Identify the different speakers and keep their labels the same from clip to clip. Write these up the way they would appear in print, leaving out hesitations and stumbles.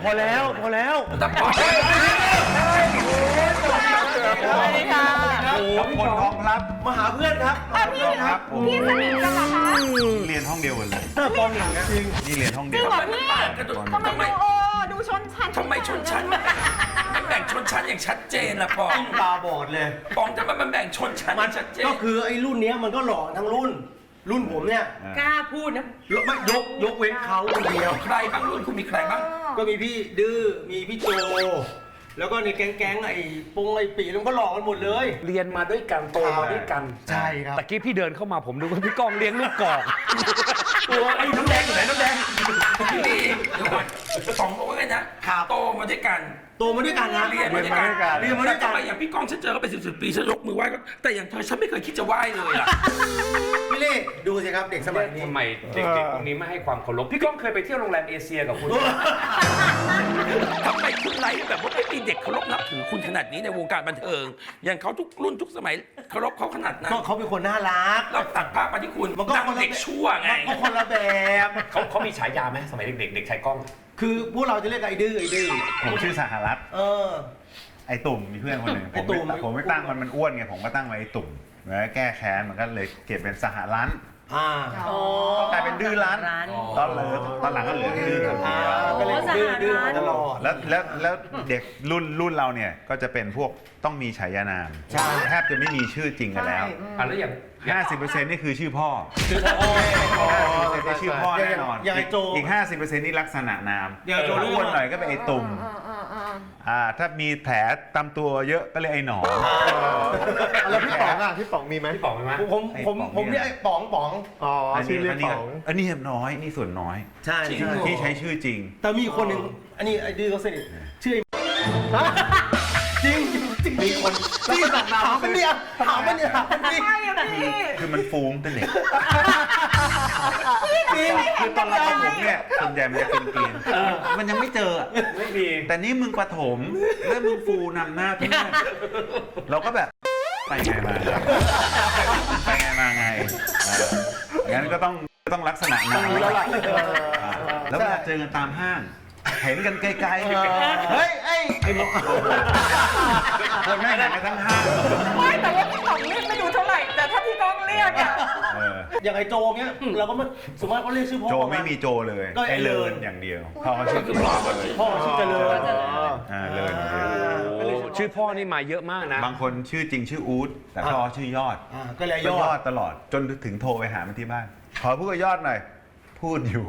Speaker 1: พอแล้ว
Speaker 2: แต่ปอง
Speaker 3: สวัสดีค่ะ
Speaker 4: โอ้พี่ทองครับ
Speaker 1: มาหาเพื่อนครับ
Speaker 3: พี่สนิทกันเหรอคะ
Speaker 4: เรียนห้องเดียวกันเลย
Speaker 1: หน้าปอนหนึ่งนะจริง
Speaker 4: นี่เรียนห้อง
Speaker 3: จ
Speaker 4: เดี
Speaker 3: ริ
Speaker 4: ย
Speaker 3: ง
Speaker 4: ว
Speaker 3: เหรอพี่ ทำไมดูชนชั้น
Speaker 2: ทำไมชนชั้นมันแบ่งชนชั้นอย่างชัดเจนล่ะปอง
Speaker 1: ตาบอดเลย
Speaker 2: ปองทำไมมันแบ่งชนชั้นอย่างชัดเจน
Speaker 1: ก็คือไอ้รุ่นเนี้ยมันก็หล่อทั้งรุ่นผมเนี่ย
Speaker 3: กล้าพูดนะ
Speaker 1: ไม่ยกเว้นเขาคนเดียว
Speaker 2: ใครบ้างรุ่นคุณมีใครบ้าง
Speaker 1: ก็มีพี่ดื้อมีพี่โจ แล้วก็ในแก๊งไอ้ปงไอ้ปีมันก็หลอกกันหมดเลย
Speaker 5: เรียนมาด้วยกันโตมาด้วยกัน
Speaker 1: ใช่ครับ
Speaker 5: ตะกี้พี่เดินเข้ามาผมดูว่าพี่ก้องเลี้ยงลูกกอก
Speaker 1: ตัวไอ้น้ำแดงอยู่ไหนน้ำแดง
Speaker 2: พี่ลีเดี๋ยวก่อนสองบอกว่าไงนะโตมาด้วยกัน
Speaker 1: โตมาด้วยกันนะ
Speaker 2: เรียนมาด้วยกัน
Speaker 1: เรียนมาด้วยกัน
Speaker 2: ทำไมอย่างพี่ก้องฉันเจอเขาเป็น10 ปีฉันยกมือไหว้ก็แต่อย่างเธอฉันไม่เคยคิดจะไหว้เลยอ่ะ
Speaker 1: พี่เล่ดูสิครับเด็กสมัยนี้
Speaker 5: ทำไมเด็กๆพวกนี้ไม่ให้ความเคารพพี่ก้องเคยไปเที่ยวโรงแรมเอเชียกับคุณ
Speaker 2: ทำไมคุณไลฟ์แบบว่าไม่มีเด็กเคารพนับถือคุณขนาดนี้ในวงการบันเทิง อย่างเขาทุกรุ่นทุกสมัยเคารพเขาขนาดนั้น
Speaker 1: ก็เขาเป็นคนน่ารัก
Speaker 2: เราตัดภาพมาที่คุณ
Speaker 1: มันก็
Speaker 2: นางเด็กชั่วไง
Speaker 1: ก็คนละแบบ
Speaker 5: เขามีฉายาไหมสมัยเด็กๆเด็กชายก้อง
Speaker 1: คือพวกเราจะเรียกไอ้ดื้อ
Speaker 4: ผมชื่อสหรัฐ
Speaker 1: อ
Speaker 4: ไอ้ตุ่มมีเพื่อนคนหนึ่ง
Speaker 1: ไอ้ตุ่ม
Speaker 4: ผมไม่ตั้งมันอ้วนไงผมก็ตั้งไว้ไอ้ตุ่มแล้วแก้แค้นมันก็เลยเก็บเป็นสหรัฐ ก็กลายเป็นดื้อรั้นตอนหลังก็เหลือดื้อคนเดียว
Speaker 1: ก็เลยดื้อมาตลอด
Speaker 4: แล้วเด็กรุ่นเราเนี่ยก็จะเป็นพวกต้องมีฉายานาม
Speaker 1: ใช่
Speaker 4: แทบจะไม่มีชื่อจริงกันแล้ว
Speaker 5: แล้วอย่าง
Speaker 4: 50%นี่คือชื่อพ่อ 50%
Speaker 1: พ่อ
Speaker 4: นี่ชื่อพ่อแน่นอน
Speaker 1: อย่างไอ้โจ
Speaker 4: อีก 50%นี่ลักษณะนาม
Speaker 1: อย่างไอ้โจ
Speaker 4: ถ้าอ้วนหน่อยก็เป็นไอ้ตุ่มถ้ามีแผลตามตัวเยอะก็เรียกไอ้หนอน
Speaker 6: แล้วพี่ป๋องอ่ะพี่ป๋องมีไหม
Speaker 5: พี่ป๋องไหม
Speaker 1: ผมเรียกไอ้ป๋อง
Speaker 6: อ๋อชื่อเรียกป๋อง
Speaker 4: อันนี้น้อยนี่ส่วนน้อย
Speaker 1: ใช่
Speaker 4: ที่ใช้ชื่อจริง
Speaker 1: แต่มีคนหนึ่งอันนี้ไอ้ดื้อเขาสนิทชื่อจริงมีคนที่ถามมันเนี่ยถามมันเนี่ย
Speaker 3: ใช่อะพี่
Speaker 4: คือมันฟูงตั้งแต่เด็กคือตอนเราประถมเนี่ยส่วนใหญ่มันจะเป็นเกณฑ์มันยังไม่เจอ
Speaker 5: ไม่มี
Speaker 4: แต่นี่มึงประถมแล้วมึงฟูนำหน้าพี่เราก็แบบไปไงมาไงงั้นก็ต้องลักษณะนั้นแล้วเวลาเจอกันตามห้างเห็นกันไกลๆเฮ้ยไอ้คนแม่งเห็นกันทั้งห้าง
Speaker 3: ไม่แต่ว่าพี่ของเรียกไม่ดูเท่าไหร่ แต่ถ้าพี่ก้องเรียกอะ
Speaker 1: อย่างไอ้โจเนี้ยเราก็มันสมมติเขาเรียกชื่อพ่อ
Speaker 4: โจไม่มีโจเลย
Speaker 1: ก็ไอ้
Speaker 4: ไอ้เลิ
Speaker 1: เลิ
Speaker 4: น
Speaker 1: น
Speaker 4: อย่างเดียวพ่อเขาชื่อ
Speaker 1: พ่อชื่อเจริญ
Speaker 4: เลินอย่างเดียว
Speaker 5: ชื่อพ่อนี่มาเยอะมากนะ
Speaker 4: บางคนชื่อจริงชื่ออู๊ดแต่พ่อชื่อยอด
Speaker 1: ก็เลย
Speaker 4: ก็
Speaker 1: ย
Speaker 4: ย
Speaker 1: อ
Speaker 4: อ
Speaker 1: ด
Speaker 4: ดตลอดจนถึงโทรไปหามันที่บ้าน ขอพูดกับยอดหน่อย พูดอยู่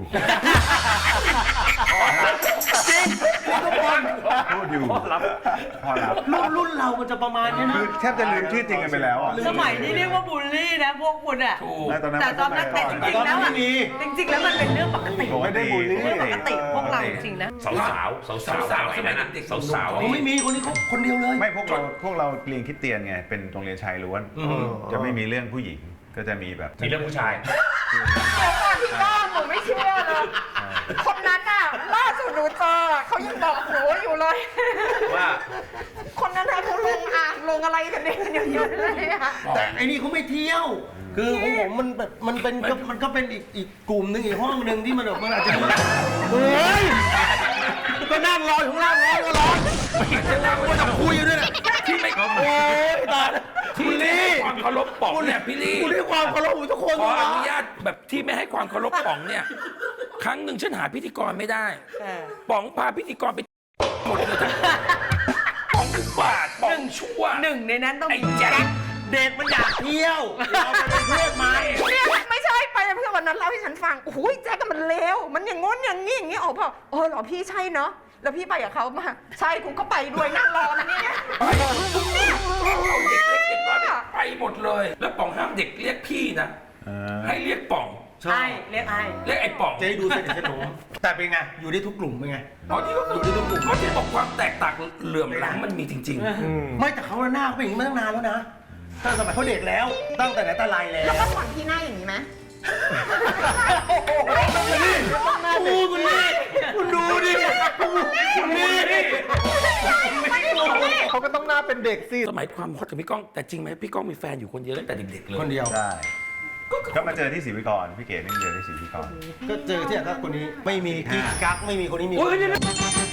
Speaker 4: จริงพูดอยู่พ่อรับ
Speaker 1: รุ่นเรามันจะประมาณนี้
Speaker 4: คือ
Speaker 1: นะ
Speaker 4: แทบจะลืมชื่อจริงกันไปแล้วอ่ะ
Speaker 3: สมัยนี้เรียกว่าบูลลี่นะพวกคุณอะ
Speaker 2: ถูก
Speaker 4: ตอนนั้น
Speaker 3: แต่ตอนนั้นแต่จริงๆแล้วอะจริงๆแล้วมันเป็นเรื่องปกติ
Speaker 4: ไม่ได้บูลลี่
Speaker 3: ปกติพวกเราจริงๆนะ
Speaker 5: สาวสาวสมัยนั้นเด็กสาว
Speaker 1: ผมไม่มีคนนี้เขาคนเดียวเลย
Speaker 4: ไม่พวกเราเรียนคริสเตียนไงเป็นโรงเรียนชายล้วน จะไม่มีเรื่องผู้หญิงก็จะมีแบบ
Speaker 5: มีเรื่องผู้ชาย
Speaker 3: เดี๋ยวก่อนพี่ก้องหนูไม่เชื่อเลยคนนั้นน่ะล่าสุดหนูเจอเขายังบอกหนูอยู่เลย
Speaker 5: ว่า
Speaker 3: คนนั้นน่ะเขาลงอะไรกันเนี่ยเยอะๆเลยอะ
Speaker 1: แต่ไอ้นี่เขาไม่เที่ยว คือของผมมันแบบมันก็เป็นอีกกลุ่มหนึ่งอีกห้องหนึ่งที่มันแบบมันอาจจะเฮ้ยก็นั่งรออยู่ข้างล่างร้อนก็ร้อนไม่ต้องคุยอยู่ด้วยนะ
Speaker 2: ที่ไม่
Speaker 1: โอ้ยตาย
Speaker 2: ที่ไม่ให้ความเคารพป๋องเนี่ยพี่ลี่
Speaker 1: กูได้ความเคารพทุกคน
Speaker 2: ขออนุญาตแบบที่ไม่ให้ความเคารพป๋องเนี่ย ครั้งหนึ่งฉันหาพิธีกรไม่ได้ป๋องพาพิธีกรไปหมดเลยทั้งป๋องบาทป๋องชั่ว
Speaker 3: หนึ่งในนั้นต้อง
Speaker 2: ไอ้
Speaker 3: มี
Speaker 2: แจ็ค
Speaker 1: เด็กมันอยากเที่ยวเราไปเป็นเพื่อนมา
Speaker 3: เนี่ยไม่ใช่ไปเพื่อนวันนั้นเล่าให้ฉันฟังโอ้ยแจ็คก็มันเลวมันอย่างง้นอย่างงี้อย่างงี้ออกเปล่าเหรอพี่ใช่เนาะแล้วพี่ไปกับเขามาใช่กูก็ไปด้วยนั่งรอนะเนี่ย
Speaker 2: เอาเด็กเล็กเด็กน้อยไปหมดเลย แล้วป๋องห้ามเด็กเรียกพี่นะ ให้เรียกป๋อง
Speaker 3: ไอ้เรียกไอ้
Speaker 2: เรียกไอ้ป๋อง
Speaker 1: จะได้ดูสนิทสนมแต่เป็นไงอยู่ได้ทุกกลุ่มเป็นไง
Speaker 2: เพราะนี่ก็คือก็ที่บอกความแตกต่างเหลื่อมล้ำมันมีจริง
Speaker 1: ไม่แต่เขาหน้าเขาเป็นอย่างนี้มาตั้งนานแล้วนะตั้งแต่สมัยเขาเด็กแล้ว ตั้งแต่ไหนแต่ไรแล้ว
Speaker 3: แล้วก็สอนพี่หน้าอย่างนี้ไหม
Speaker 1: คุณดูดิคุณนี่
Speaker 6: เขาก็ต้องหน้าเป็นเด็กสิ
Speaker 2: ๆ สมัยความฮอตของพี่ก้อง แต่จริงไหมพี่ก้องมีแฟนอยู่คนเดียวตั้งแต่เด็กๆเลย
Speaker 1: คนเดียว
Speaker 4: ใช่ก็มาเจอที่ศรีวิกรพี่เก๋นี่มาเจอที่ศรีวิกร
Speaker 1: ก็เจอที่ไหนก็คนนี้ไม่มีกิ๊กกักไม่มีคนนี้มี
Speaker 2: โอ้ย